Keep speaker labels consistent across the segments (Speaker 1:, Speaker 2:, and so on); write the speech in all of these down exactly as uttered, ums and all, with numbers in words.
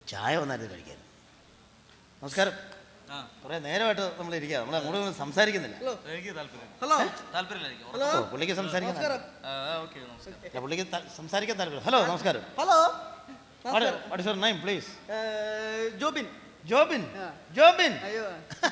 Speaker 1: ചായ വന്നായിരുന്നു കഴിക്കാൻ. നമസ്കാരം. കുറെ നേരമായിട്ട് നമ്മൾ ഇരിക്കുക, നമ്മൾ അങ്ങോട്ട് സംസാരിക്കുന്നില്ല.
Speaker 2: ഹലോ
Speaker 1: പുള്ളിക്ക് സംസാരിക്കാൻ പുള്ളിക്ക് സംസാരിക്കാൻ താല്പര്യം. ഹലോ നമസ്കാരം.
Speaker 2: Hello
Speaker 1: what is your name please?
Speaker 2: Jobin.
Speaker 1: Jobin. Jobin.
Speaker 2: അയ്യോ,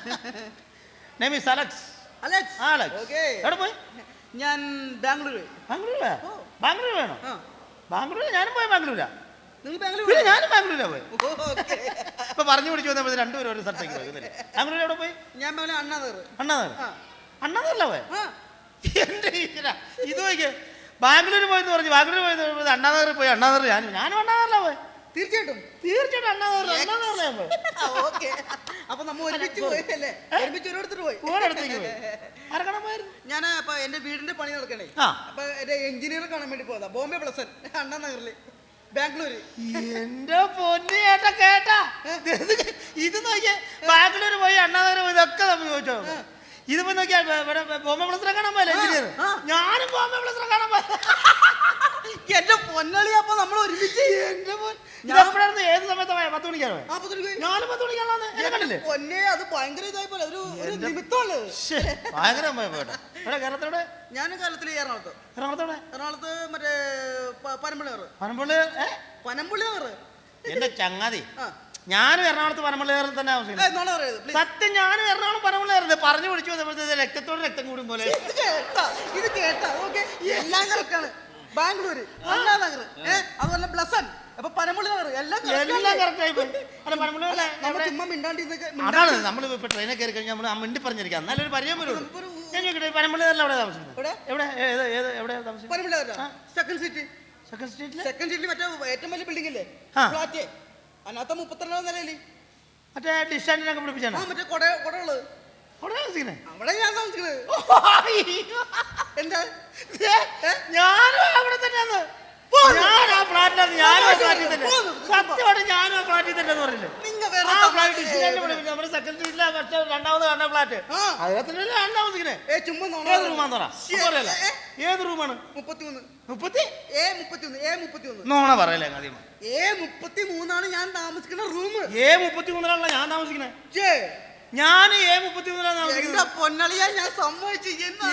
Speaker 1: name is Alex.
Speaker 2: Alex.
Speaker 1: Alex. എവിടെ പോയി?
Speaker 2: ഞാൻ ബാംഗ്ലൂർ.
Speaker 1: ബാംഗ്ലൂരാ? ബാംഗ്ലൂർ വേണോ? ബാംഗ്ലൂർ ഞാനും പോയി. ബാംഗ്ലൂരാ?
Speaker 2: നിങ്ങൾ ബാംഗ്ലൂർ?
Speaker 1: ഞാനും ബാംഗ്ലൂരാ പോയി. ഇപ്പൊ പറഞ്ഞു പിടിച്ചു വന്നപ്പോ രണ്ടുപേരും ഒരു സ്ഥലത്തേക്ക് പോയി. ബാംഗ്ലൂർ എവിടെ പോയി?
Speaker 2: ഞാൻ അണ്ണാനഗർ.
Speaker 1: അണ്ണാനഗർ? അണ്ണാനഗറിലാ പോയി? എന്റെ ഇത് നോക്കിയേ, ബാംഗ്ലൂർ പോയെന്ന് പറഞ്ഞു. ബാംഗ്ലൂർ പോയി അണ്ണാനഗറിൽ പോയി. അണ്ണാനഗർ ഞാനും ഞാനും അണ്ണാനഗറിലാ പോയി.
Speaker 2: തീർച്ചയായിട്ടും
Speaker 1: തീർച്ചയായിട്ടും അണ്ണാനഗർ അണ്ണാനഗറിലാ പോയി.
Speaker 2: അപ്പൊ നമ്മ ഒരുമിച്ച് പോയല്ലേ? ഒരുമിച്ച് ഒരിടത്തോട്ട് പോയി.
Speaker 1: ഒരിടത്തേക്ക് പോയി. ആരക്കണം പോയിരുന്നു?
Speaker 2: ഞാൻ അപ്പൊ എന്റെ വീടിന്റെ പണി നടക്കണേ. അപ്പൊ എന്റെ എഞ്ചിനീയർ കാണാൻ വേണ്ടി പോയതാ. ബോംബെ പ്ലസൻ അണ്ണാനഗറില് ബാംഗ്ലൂര്.
Speaker 1: എന്റെ പൊന്നു ചേട്ടാ കേട്ടാ, ഇത് നോക്കിയേ, ബാംഗ്ലൂർ പോയി അണ്ണാനഗർ പോയി ഇതൊക്കെ നമ്മൾ ചോദിച്ചോ. ഇതിപ്പോ നോക്കിയാ ഇവിടെ ബോംബെ പ്ലസറെ കാണാൻ പോയല്ലേ എഞ്ചിനീയർ? ഞാനും ബോംബെ പ്ലസറെ കാണാൻ പോയ.
Speaker 2: എന്റെ പൊന്നളി, അപ്പൊ നമ്മൾ ഒരുമിച്ച്.
Speaker 1: എന്റെ എപ്പോഴായിരുന്നു? ഏത് സമയത്ത് പത്ത് മണിക്കാണോ? ഞാനും പത്ത് മണിക്കാണോ?
Speaker 2: പൊന്നെ, അത് ഭയങ്കര ഇതായി പോലെ ഒരു നിമിത്തമുള്ളു.
Speaker 1: ഭയങ്കര പോട്ടെ. കേരളത്തോടെ?
Speaker 2: ഞാൻ കേരളത്തില് എറണാകുളത്ത്.
Speaker 1: എറണാകുളത്തോടെ?
Speaker 2: എറണാകുളത്ത് മറ്റേ പനമ്പള്ളി നഗർ.
Speaker 1: പനമ്പള്ളി
Speaker 2: പനമ്പള്ളി നഗർ
Speaker 1: എന്റെ ചങ്ങാതി. ഞാനും എറണാകുളത്ത് പനമ്പള്ളി നഗറിൽ തന്നെ താമസിക്കുന്നത്. സത്യം, ഞാനും എറണാകുളം പനമ്പള്ളി നഗർ പറഞ്ഞു പിടിച്ചു വന്നപ്പോഴത്തെ രക്തത്തോട് രക്തം കൂടും പോലെ.
Speaker 2: ഇത് കേട്ടാ ഓക്കെ, എല്ലാം കറക്റ്റാണ്. ബാംഗ്ലൂര്, അണ്ണാനഗർ, അതുപോലെ ബ്ലസൻ, അപ്പൊ പനമ്പള്ളി നഗർ എല്ലാം
Speaker 1: എല്ലാം കറക്റ്റ് ആയി പോയി.
Speaker 2: ചുമ്മാ മിണ്ടാണ്ടി.
Speaker 1: അതാണ് നമ്മൾ ഇപ്പൊ ട്രെയിനെ കയറി കഴിഞ്ഞാൽ നമ്മൾ മിണ്ടി പറഞ്ഞിരിക്കാം, നല്ലൊരു പരിചയം വരുള്ളൂ. ഞാൻ ചോദിക്കട്ടെ, പനമ്പള്ളി നഗറിൽ എവിടെ താമസിക്കുന്നത്? എവിടെ എവിടെയാ താമസിക്കുന്നത്?
Speaker 2: Panampilly Nagar second street.
Speaker 1: Second സ്ട്രീറ്റിൽ?
Speaker 2: സെക്കൻഡ് സ്ട്രീറ്റിൽ മറ്റേ ഏറ്റവും വലിയ ബിൽഡിംഗ് ഇല്ലേ, ഫ്ലാറ്റ്, അതിനകത്ത് മുപ്പത്തിരണ്ടാം നിലയില്
Speaker 1: മറ്റേ ഡിസ്റ്റാൻഡിനൊക്കെ പിടിപ്പിച്ചാണ്.
Speaker 2: മറ്റേ കൊട കൊടകള് അവിടെ ഞാൻ താമസിക്കുന്നത്. എന്താ
Speaker 1: ഞാനും അവിടെ തന്നെയാണ്. ഞാൻ ആ ഫ്ലാറ്റിലാണ്. ഞാനും ആ ഫ്ലാറ്റിൽ തന്നെ. സത്യമായിട്ട് ഞാനും ആ ഫ്ലാറ്റിൽ തന്നെ എന്ന് പറഞ്ഞില്ലേ? നമ്മുടെ സെക്കൻഡ് സ്ട്രീറ്റിലെ പക്ഷേ രണ്ടാമത് കാണുന്ന ഫ്ലാറ്റ് അതിനകത്തല്ലേ ഞാൻ താമസിക്കുന്നത്. ഏത് റൂമാന്ന് പറ. ഏത് റൂമാണ്?
Speaker 2: മുപ്പത്തിമൂന്ന്.
Speaker 1: മുപ്പത്തി
Speaker 2: ഏ മുപ്പത്തിയൊന്ന്. ഏ മുപ്പത്തിയൊന്ന്.
Speaker 1: നോണ പറയല്ലേ ആദ്യം.
Speaker 2: ഏ മുപ്പത്തി മൂന്നാണ് ഞാൻ താമസിക്കുന്ന റൂം.
Speaker 1: ഏ മുപ്പത്തി മൂന്നിലാണല്ലോ ഞാൻ താമസിക്കുന്നത്. ഞാൻ ഏ മുപ്പത്തി മൂന്നിലാണ് താമസിക്കുന്നത്.
Speaker 2: പൊന്നളിയാ, ഞാൻ സമ്മതിച്ചു.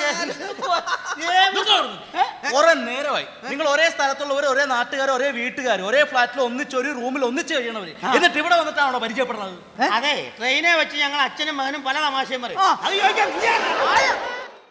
Speaker 3: കുറെ നേരമായി നിങ്ങൾ ഒരേ സ്ഥലത്തുള്ളവർ, ഒരേ നാട്ടുകാർ, ഒരേ വീട്ടുകാർ, ഒരേ ഫ്ലാറ്റിൽ ഒന്നിച്ച് ഒരു റൂമിൽ ഒന്നിച്ച് കഴിയണവര്, എന്നിട്ട് ഇവിടെ വന്നിട്ടാണോ പരിചയപ്പെടുന്നത്?
Speaker 1: അതെ, ട്രെയിനെ വെച്ച് ഞങ്ങൾ അച്ഛനും മകനും പല തമാശയും പറയും. അത് ചോദിക്കാൻ